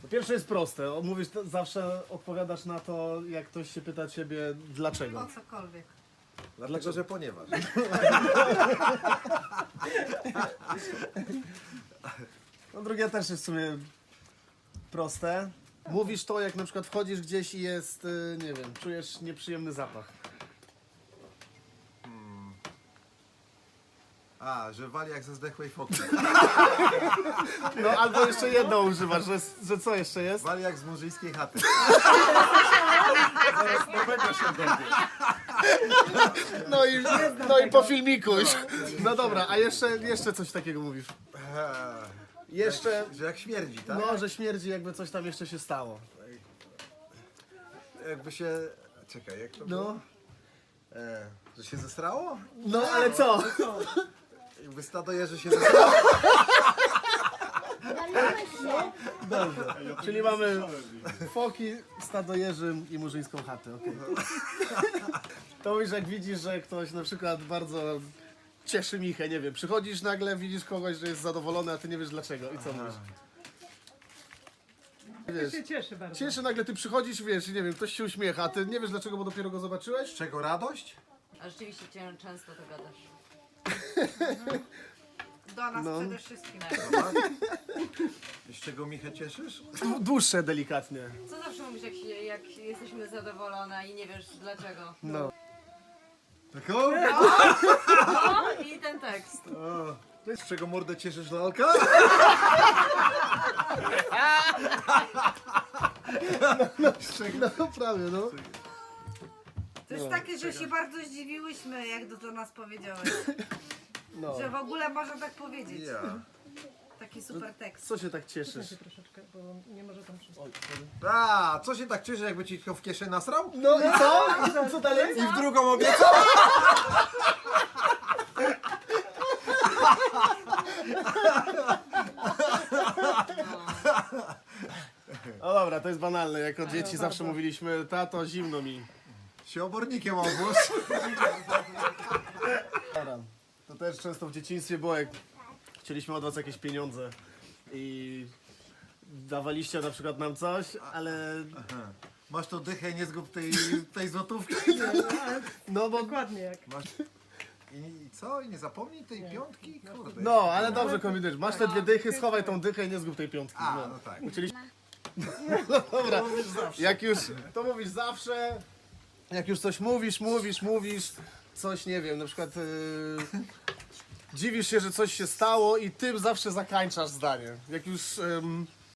Po pierwsze jest proste, mówisz, zawsze odpowiadasz na to, jak ktoś się pyta ciebie dlaczego. Po cokolwiek. Dlatego, że ponieważ. No drugie też jest w sumie proste. Mówisz to, jak na przykład wchodzisz gdzieś i jest, nie wiem, czujesz nieprzyjemny zapach. A, że wali jak ze zdechłej foki. No albo jeszcze jedno używasz, że co jeszcze jest? Wali jak z murzyńskiej chaty. No i po filmiku już. No dobra, a jeszcze coś takiego mówisz. Jeszcze, Że jak śmierdzi, tak? no, że śmierdzi, jakby coś tam jeszcze się stało. Jakby się... Czekaj, jak to było? No, Że się zesrało? no ale co? Jakby stado jeży się zesrało? Czyli mamy foki, stado jeży i murzyńską chatę. Okay. To mówisz, jak widzisz, że ktoś na przykład bardzo cieszy Michę, nie wiem, przychodzisz nagle, widzisz kogoś, że jest zadowolony, a ty nie wiesz dlaczego i co mówisz? Wiesz, się cieszy bardzo. cieszy nagle, ty przychodzisz, wiesz, nie wiem, ktoś się uśmiecha, a ty nie wiesz dlaczego, bo dopiero go zobaczyłeś? Z czego radość? A rzeczywiście często to gadasz. Do nas No. przede wszystkim. I z czego Michę cieszysz? Dłuższe delikatnie. Co zawsze mówisz, jak jesteśmy zadowolone i nie wiesz dlaczego? No. Taką? O, i ten tekst. Z czego mordę cieszysz, lalka? No prawie, no. To jest takie, że się bardzo zdziwiłyśmy, jak do nas powiedziałeś. No. Że w ogóle można tak powiedzieć. Ja. Taki super tekst. Co się tak cieszysz? Troszeczkę, bo nie może tam wszystko. A, co się tak cieszy, jakby ci tylko w kieszeń nasrał? No i co? Co dalej? I w drugą obiecał? No dobra, to jest banalne. Jako dzieci zawsze mówiliśmy, tato, zimno mi. Się obornikiem obóz. Dobra. To też często w dzieciństwie było, jak chcieliśmy od was jakieś pieniądze i dawaliście na przykład nam coś, ale Masz to dychę, nie zgub tej złotówki. no bo Dokładnie jak. Masz... I co? I nie zapomnij tej piątki? Kurde. no, ale dobrze kombinujesz. Masz te dwie dychy, schowaj tą dychę i nie zgub tej piątki. A, No. no tak. Uczyliśmy... No dobra, jak już to mówisz zawsze, jak już coś mówisz, coś nie wiem, na przykład dziwisz się, że coś się stało i tym zawsze zakańczasz zdanie. Jak już